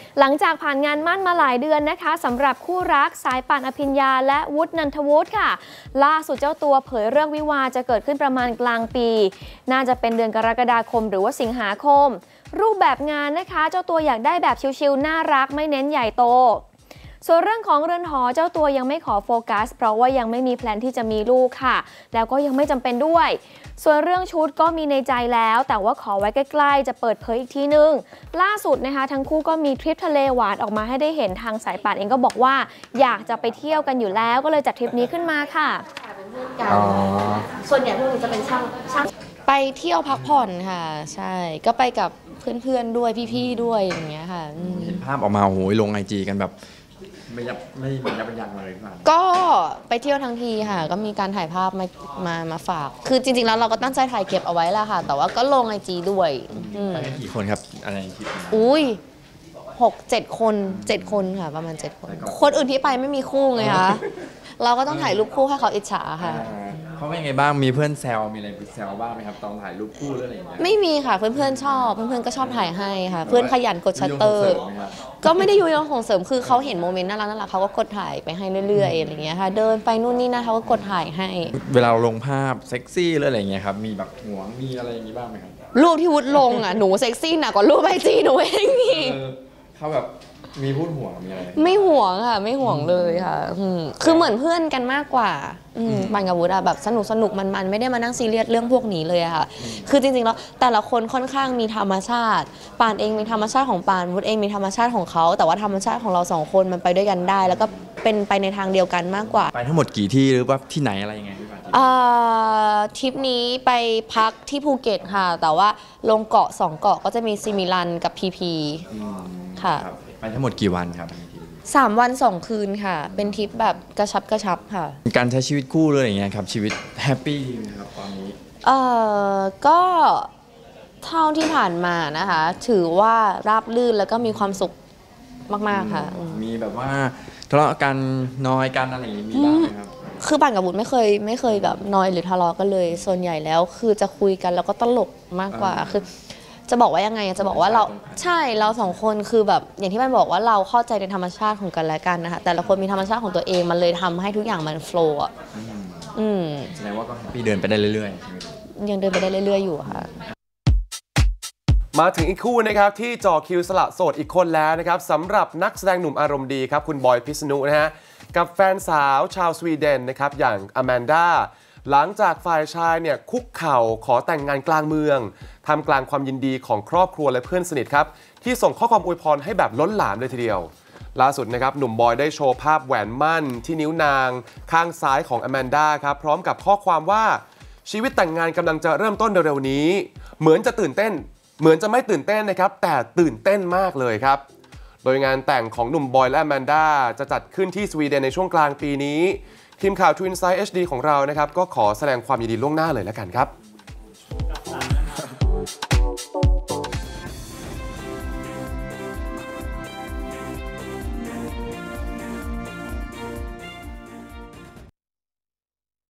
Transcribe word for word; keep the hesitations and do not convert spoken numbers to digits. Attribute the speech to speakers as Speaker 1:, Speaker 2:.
Speaker 1: หลังจากผ่านงานมั่นมาหลายเดือนนะคะสำหรับคู่รักสายป่านอภิญญาและวุฒินันทวุฒิค่ะล่าสุดเจ้าตัวเผยเรื่องวิวาห์จะเกิดขึ้นประมาณกลางปีน่าจะเป็นเดือนกรกฎาคมหรือว่าสิงหาคมรูปแบบงานนะคะเจ้าตัวอยากได้แบบชิลๆน่ารักไม่เน้นใหญ่โตส่วนเรื่องของเรือนหอเจ้าตัวยังไม่ขอโฟกัสเพราะว่ายังไม่มีแพลนที่จะมีลูกค่ะแล้วก็ยังไม่จำเป็นด้วยส่วนเรื่องชุดก็มีในใจแล้วแต่ว่าขอไว้ใกล้ๆจะเปิดเผยอีกทีนึงล่าสุดนะคะทั้งคู่ก็มีทริปทะเลหวานออกมาให้ได้เห็นทางสายป่านเองก็บอกว่าอยากจะไปเที่ยวกันอยู่แล้วก็เลยจัดทริปนี้ขึ้นมาค่ะ
Speaker 2: ส่วนใหญ่พวกนี้จะเป็นช่างช่างไปเที่ยวพักผ่อนค่ะใช่ก็ไปกับเพื่อนๆด้วยพี่ๆด้วยอย่างเงี้ยค่ะ
Speaker 3: เห็นภาพออกมาโอ้ยลงไอจีกันแบบไม่ยับไม่ไม่ยับยั้งเลยครับ
Speaker 2: ก็ไปเที่ยวทั้งทีค่ะก็มีการถ่ายภาพมามามาฝากคือจริงๆแล้วเราก็ตั้งใจถ่ายเก็บเอาไว้แหละค่ะแต่ว่าก็ลงไอจีด้วย
Speaker 3: ไปกันกี่คนครับอะไรคลิป
Speaker 2: อุ้ยหกเจ็ดคนเจ็ดคนค่ะประมาณเจ็ดคนคนอื่นที่ไปไม่มีคู่ไงคะเราก็ต้องถ่ายรูปคู่ให้เขาอิจฉาค่ะ
Speaker 3: เขาเป็นไงบ้างมีเพื่อนแซวมีอะไรแซวบ้างไหมครับตอนถ่ายรูปคู่หรืออะไรอย่างเงี้ย
Speaker 2: ไม่มีค่ะเพื่อนๆชอบเพื่อนๆก็ชอบถ่ายให้ค่ะเพื่อนขยันกดชัตเตอร์ก็ไม่ได้ยุยงส่งเสริมคือเขาเห็นโมเมนต์น่ารักน่ารักเขาก็กดถ่ายไปให้เรื่อยๆอะไรเงี้ยค่ะเดินไปนู่นนี่นั่นเขาก็กดถ่ายให้
Speaker 3: เวลาลงภาพเซ็กซี่หรืออะไรเงี้ยครับมีแบบหวงมีอะไรอย่างงี้บ้างไหมครับ
Speaker 2: รูปที่วุฒิลงอ่ะหนูเซ็กซี่หนักกว่ารูปไอจีหนูเองนี่
Speaker 3: เขาแบบมีพูดห่วงมีอะไร
Speaker 2: ไม่ห่วงค่ะไม่ห่วงเลยค่ะคือเหมือนเพื่อนกันมากกว่าปานกับวุฒิอะแบบสนุกสนุกมันๆไม่ได้มานั่งซีเรียสเรื่องพวกนี้เลยค่ะคือจริงๆแล้วแต่ละคนค่อนข้างมีธรรมชาติปานเองมีธรรมชาติของปานวุฒิเองมีธรรมชาติของเขาแต่ว่าธรรมชาติของเราสองคนมันไปด้วยกันได้แล้วก็เป็นไปในทางเดียวกันมากกว่า
Speaker 3: ไปทั้งหมดกี่ที่หรือว่าที่ไหนอะไรยังไง
Speaker 2: ทริปนี้ไปพักที่ภูเก็ตค่ะแต่ว่าลงเกาะสองเกาะก็จะมีซิมิลันกับพีพีค่ะ
Speaker 3: ไปทั้งหมดกี่วันครับ
Speaker 2: สามวันสองคืนค่ะเป็นทริปแบบกระชับกระชับค่ะ
Speaker 3: การใช้ชีวิตคู่เลยอย่างเงี้ยครับชีวิตแฮปปี้ดีไหมครับตอนนี้
Speaker 2: เอ่อก็เท่าที่ผ่านมานะคะถือว่าราบรื่นแล้วก็มีความสุขมากๆค่ะ
Speaker 3: มีแบบว่าทะเลาะกันน้อยกันอะไรอย่างงี้มีบ้างไหมครับ
Speaker 2: คือปานกับวุฒิไม่เคยไม่เคยแบบน้อยหรือทะเลาะกันเลยส่วนใหญ่แล้วคือจะคุยกันแล้วก็ตลกมากกว่าคือจะบอกว่ายังไงจะบอกว่าเราใช่เราสองคนคือแบบอย่างที่มันบอกว่าเราเข้าใจในธรรมชาติของกันและกันนะคะแต่ละคนมีธรรมชาติของตัวเองมันเลยทำให้ทุกอย่างมันโฟล์อ่ะ
Speaker 3: อืมแสดงว่าก็พี่เดินไปได้เรื่อย
Speaker 2: ๆยังเดินไปได้เรื่อยๆอยู่ค่ะ
Speaker 4: มาถึงอีกคู่นะครับที่จ่อคิวสละโสดอีกคนแล้วนะครับสำหรับนักแสดงหนุ่มอารมณ์ดีครับคุณบอยพิษณุนะฮะกับแฟนสาวชาวสวีเดนนะครับอย่างอแมนดาหลังจากฝ่ายชายเนี่ยคุกเข่าขอแต่งงานกลางเมืองทำกลางความยินดีของครอบครัวและเพื่อนสนิทครับที่ส่งข้อความอวยพรให้แบบล้นหลามเลยทีเดียวล่าสุดนะครับหนุ่มบอยได้โชว์ภาพแหวนมั่นที่นิ้วนางข้างซ้ายของอแมนดาครับพร้อมกับข้อความว่าชีวิตแต่งงานกำลังจะเริ่มต้นเร็วๆนี้เหมือนจะตื่นเต้นเหมือนจะไม่ตื่นเต้นนะครับแต่ตื่นเต้นมากเลยครับโดยงานแต่งของหนุ่มบอยและอแมนดาจะจัดขึ้นที่สวีเดนในช่วงกลางปีนี้ทีมข่าว Twin Side เอช ดี ของเรานะครับก็ขอแสดงความยินดีล่วงหน้าเลยแล้วกันครับ